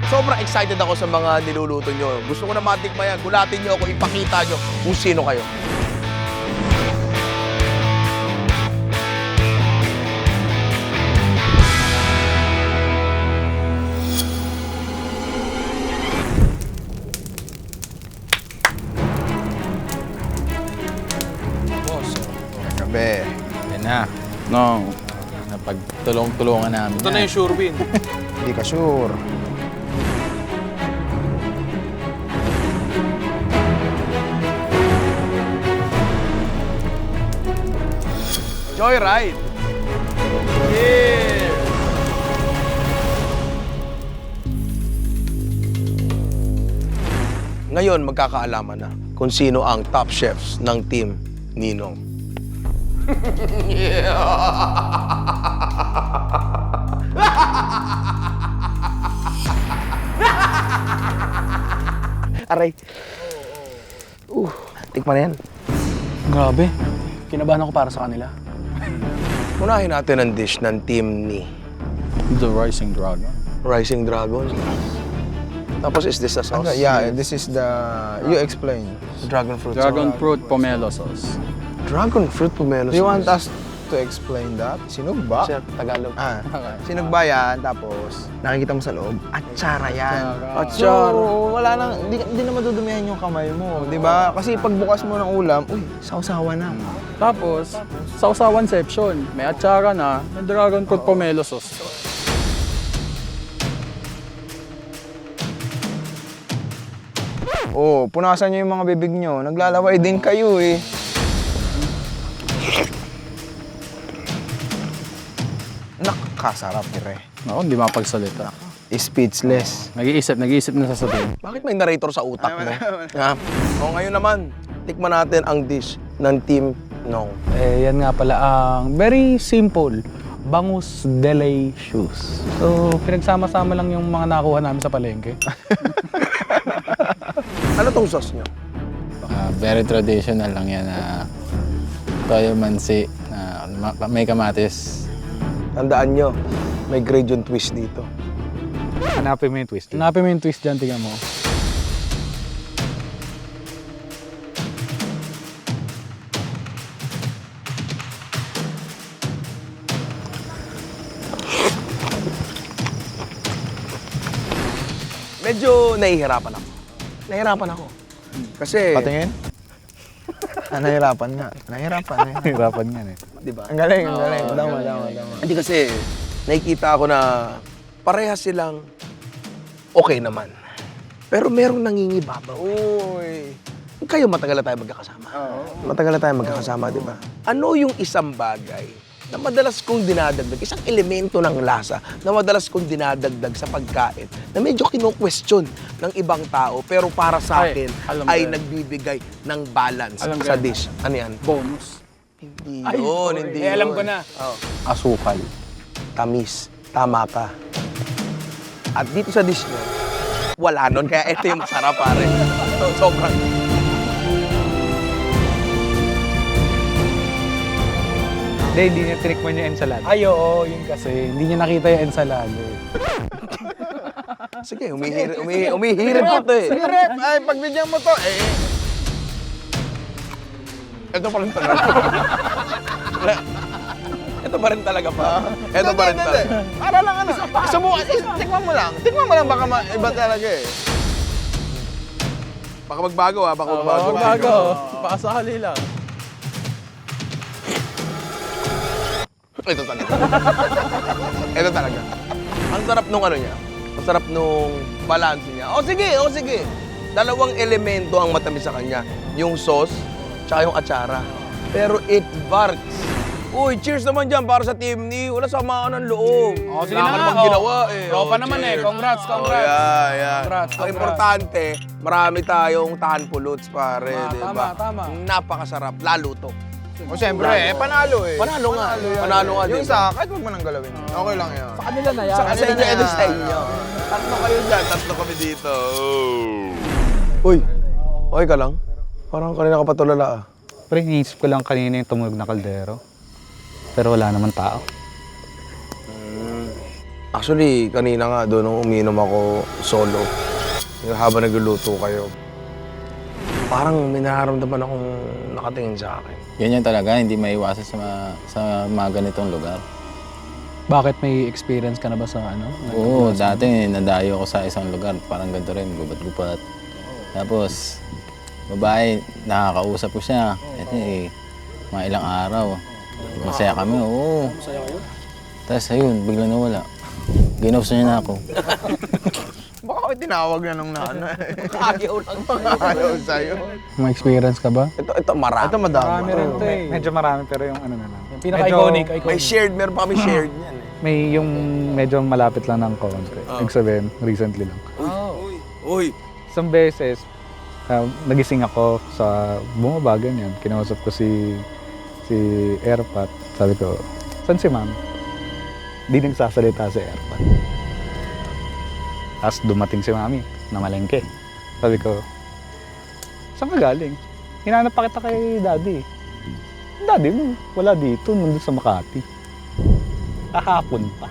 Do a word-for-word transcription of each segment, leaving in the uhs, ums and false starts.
Sobrang excited ako sa mga niluluto nyo. Gusto ko na matikman yan. Gulatin nyo ako, ipakita nyo kung sino kayo. Boss, Gabi. yan na. No, napagtulong-tulungan namin. Ito na yung sure win. Hindi ka sure. Joyride! Yeah! Ngayon, magkakaalaman na kung sino ang top chefs ng team Ninong. Aray. Uh, tikman na yan. Grabe. Kinabahan ako para sa kanila. Unahin natin ang dish ng team ni The Rising Dragon. Rising Dragon. Tapos, is this a sauce? Ano, yeah, this is the... You explain. Dragon fruit Dragon sauce. fruit pomelo sauce. Dragon fruit pomelo Do you want sauce. us to explain that? Sinugba? Sir, Tagalog. Ah, sinugba yan, tapos nakikita mo sa loob, atsara yan. Atsara. So, wala nang, hindi, hindi na madudumihan yung kamay mo, di ba? Kasi pagbukas mo ng ulam, uy, sausawa na. Tapos, sausawanception. May atsara na, may dragon fruit pomelo sauce. Oh, punasan nyo yung mga bibig nyo, naglalaway din kayo eh. Nakakasarap, pre. Ako, hindi mapagsalita. Speechless. Nag-iisip, nag-iisip na sasabihin. Bakit may narrator sa utak mo? Ha? O ngayon naman, tikman natin ang dish ng team Nong. Eh, yan nga pala ang very simple. Bangus Delicious. So, pinagsama-sama lang yung mga nakuha namin sa palengke. Ano tong sauce nyo? Ah, very traditional lang yan na toyo mansi na ma- may kamatis. Tandaan nyo, may gradient twist dito. Hanapin mo yung twist. Hanapin mo yung twist dyan, tingnan mo. Medyo nahihirapan ako. Nahihirapan ako. Kasi, Patingin? Ah, nahirapan nga. Nahirapan, nahirapan. Hirapan yan eh. di ba? Ang galing, ang galing. Dama, dama, dama. Hindi kasi, nakikita ko na parehas silang okay naman. Pero merong nangingibabaw. Uy. Kayo matagal na tayo magkakasama. Matagal na tayo magkakasama, di ba? Ano yung isang bagay na madalas kong dinadagdag, isang elemento ng lasa na madalas kong dinadagdag sa pagkain na medyo kino-question ng ibang tao pero para sa Ay, akin alam ko ay yan. nagbibigay ng balance Alam ko sa yan. dish. Ano yan? Bonus. Hindi Ay, yun, sorry. hindi Eh, alam yun. ko na. Oh. Asukal. Tamis. Tama ka. At dito sa dish nyo, wala nun. Kaya ito yung masarap, pare. So, sobrang... Hindi, hindi niya tinikman yung ensalada. Ay, oo, yun kasi. Hindi niya nakita yung ensalada eh. Sige, umihirip, umihirip, umihirip ko to eh. Sige, rep. Ay, pagbigyan mo to, eh. Ito pa rin talaga. Ito pa rin talaga pa. Ito pa rin Hindi, talaga. hindi. Para lang ano. Subukan, is- tikman mo lang. Tikman mo lang, baka ma- iba talaga eh. Baka magbago ha, baka magbago. Bago, bago. Pakasali lang. Ito talaga. Ito talaga. Ang sarap nung ano niya. Ang sarap nung balance niya. O sige, o sige. Dalawang elemento ang matamis sa kanya. Yung sauce, tsaka yung atsara. Pero it works. Uy, cheers naman dyan para sa team ni. Wala samaan ng loob. O, sige Wala na ka nga, namang o. ginawa eh. Tropa O, naman eh. cheers. Congrats, congrats. Oh, yeah, yeah. Congrats, Ang congrats. importante, marami tayong tahan puluts, pare. Ah, di tama, ba? tama. Napakasarap. Lalo to. O siyempre, eh, panalo eh. Panalo nga. yan. Panalo nga, Yung di ba? isa, kahit huwag mo nang galawin. Okay lang yan. Sa kanila na yan. Sa sa inyo, na ito yan. sa inyo. Tatlo kayo dyan, tatlo kami dito. Uy, okay ka lang? Parang kanina ka pa tulala ah. Pre, iniisip ko lang kanina yung tumunog na kaldero. Pero wala naman tao. Actually, kanina nga doon nung uminom ako solo, yung habang nagluluto kayo, parang may nararamdaman akong nakatingin sa akin. Ganyan talaga, hindi maiwasan sa, mga, sa mga ganitong lugar. Bakit may experience ka na ba sa ano? Oo, dati nadayo ako sa isang lugar, parang ganito rin, gubat-gubat. Tapos, babae, nakakausap ko siya. Ito eh, mga ilang araw. Masaya kami, oo. Masaya kayo? Tapos ayun, bigla nawala. Ginawsa niya na ako. Baka ako tinawag na nung nana. Ayaw lang. Ayaw sa'yo. May experience ka ba? Ito, ito marami. Ito madami. Marami rin to eh. Medyo marami pero yung ano na lang. Yung pinaka-iconic, May iconic. shared, meron pa kami shared niyan eh. May yung medyo malapit lang ng konti. Ibig sabihin, recently lang. Uy! Isang beses, uh, nagising ako sa bumaba, ganyan. Kinausap ko si si Airpat. Sabi ko, saan si ma'am? Di nagsasalita si Airpat. Tapos dumating si mami na malengke. Sabi ko, saan ka galing? Hinanap pa kita kay daddy. Daddy mo, wala dito, nandun sa Makati. Kahapon pa.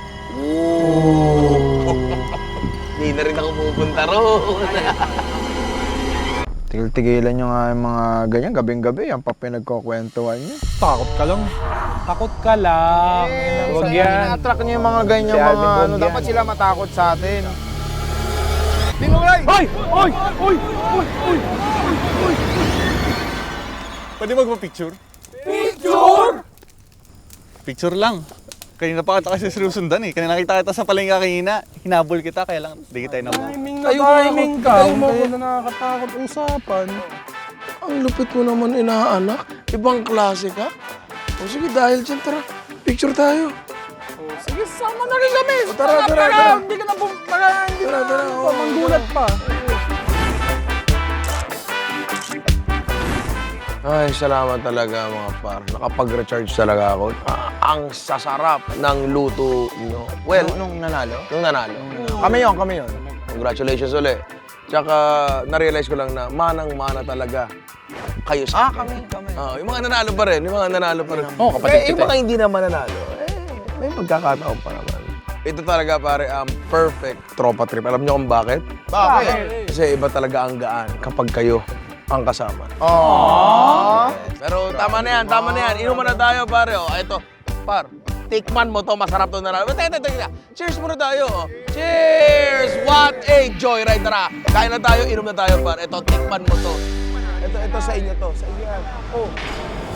Hindi na rin ako pupunta roon. Tigil-tigilan nyo nga yung mga ganyan, gabing-gabi, yan pa pinagkukwentuhan nyo. Takot ka lang. Takot ka lang. Huwag yan. Ina-attract nyo yung mga ganyan, Si mga Alvin ano, Bong dapat yan. sila matakot sa atin. Hoy! Hoy! Hoy! Hoy! Hoy! Pwede magpa-picture? Picture? Picture lang. Kanina pa kita kasi sinusundan eh. Kanina nakita kita sa palengke kanina. Hinabol kita, kaya lang di kita na Timing na timing ka. Kaya na nakakatakot usapan. Ang lupit mo naman inaanak. Ibang klase ka. O sige, dahil dyan, tara. Picture tayo. Sige, sama na rin kami. Tara, tara, tara. Hindi ka na pumunta. Tara, tara. Manggulat pa. Ay, salamat talaga mga par. Nakapag-recharge talaga ako. Ah, ang sasarap ng luto nyo. Well, Nung, nung nanalo? nung nanalo. Kami yun, kami yun. Congratulations ulit. Tsaka, na-realize ko lang na manang-mana talaga kayo sa akin. kami, kami. Ah, yung mga nanalo pa rin, yung mga nanalo pa rin. Oo, kapatid Eh, yung kita mga hindi naman nanalo, eh, may pagkakataon pa naman. Ito talaga pare, ang perfect tropa trip. Alam niyo kung bakit? Bakit? Kasi iba talaga ang gaan kapag kayo ang kasama. Aww. Pero tama na yan, tama na yan. Inuman na tayo, pare. O, ito, par. Tikman mo to, masarap to na lang. Teka, teka, teka. Cheers muna tayo. oh. Cheers! What a joy, right? Tara, kain na tayo, inom na tayo, par. Ito, tikman mo to. Ito, ito sa inyo to. Sa inyo yan. Oh.